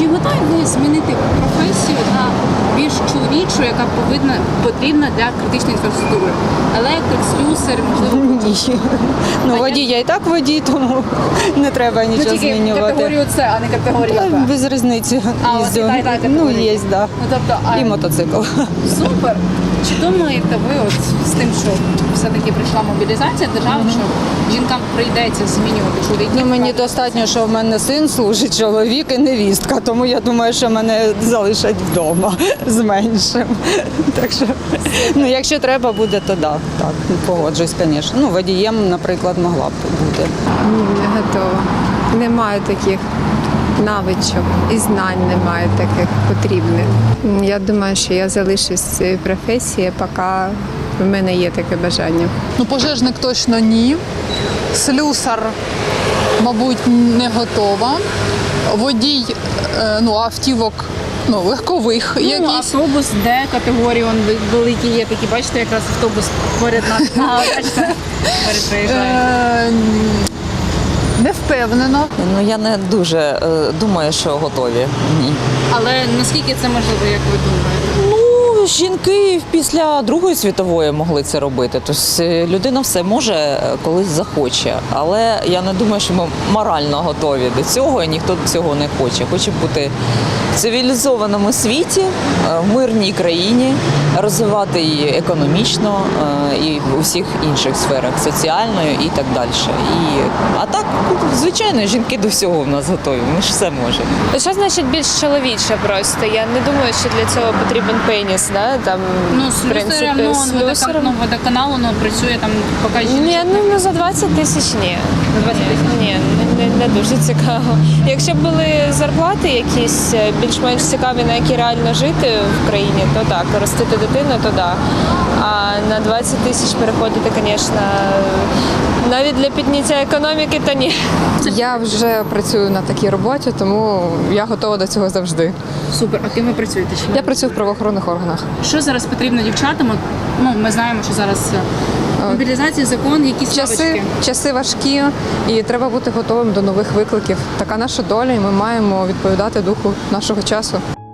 готові ви змінити професію на більш чоловічу, яка потрібна для критичної інфраструктури? Електрик, слюсар, можливо, Ні. Ну, водій, я і так водій, тому не треба нічого тільки змінювати. категорію С, а не категорію Та Б. без різниці А, у вас їздю. і та Ну, категорія? є, да. Ну, тобто, І мотоцикл. Супер. Чи думаєте ви от з тим, що все-таки прийшла мобілізація держави, що жінкам прийдеться змінювати чоловіків? Ну, мені достатньо, що в мене син служить, чоловік і невістка, тому я думаю, що мене залишать вдома з меншим. Так що, ну, якщо треба буде, то да, так, погоджусь, звісно. Ну, водієм, наприклад, могла б бути. Ні, не готова. Немає таких навичок і знань немає таких потрібних. Я думаю, що я залишусь в цій професії, поки в мене є таке бажання. Ну, пожежник точно ні. Слюсар, мабуть, не готова. Водій автівок легкових Ну, якісь. автобус, де категорії он великі є такі, бачите, якраз автобус поряд нас. Бачите, поряд приїжджає. Не впевнена. Ну я не дуже думаю, що готові. Ні. Але наскільки це можливо, як ви думаєте? Ну, жінки після Другої світової могли це робити. Тобто людина все може, колись захоче. Але я не думаю, що ми морально готові до цього, і ніхто цього не хоче. Хоче бути в цивілізованому світі, в мирній країні, розвивати її економічно і в усіх інших сферах, соціальною і так далі. А так, звичайно, жінки до всього в нас готові, ми ж все можемо. Що значить більш чоловіче просто? Я не думаю, що для цього потрібен пеніс, да? Там, Ну, слюсарем, водоканалу, працює там поки жіночок. Ні, ну за 20 тисяч ні. За 20 тисяч? Ні, не дуже цікаво. Якщо б були зарплати якісь більш-менш цікаві, на які реально жити в країні, то так, ростити дитину, то так. А на 20 тисяч переходити, звісно, навіть для підняття економіки, то ні. Я вже працюю на такій роботі, тому я готова до цього завжди. Супер. А ким ви працюєте? Я працюю в правоохоронних органах. Що зараз потрібно дівчатам? Ну, ми знаємо, що зараз мобілізація, закон, якісь навички. Часи важкі, і треба бути готовим до нових викликів. Така наша доля, і ми маємо відповідати духу нашого часу.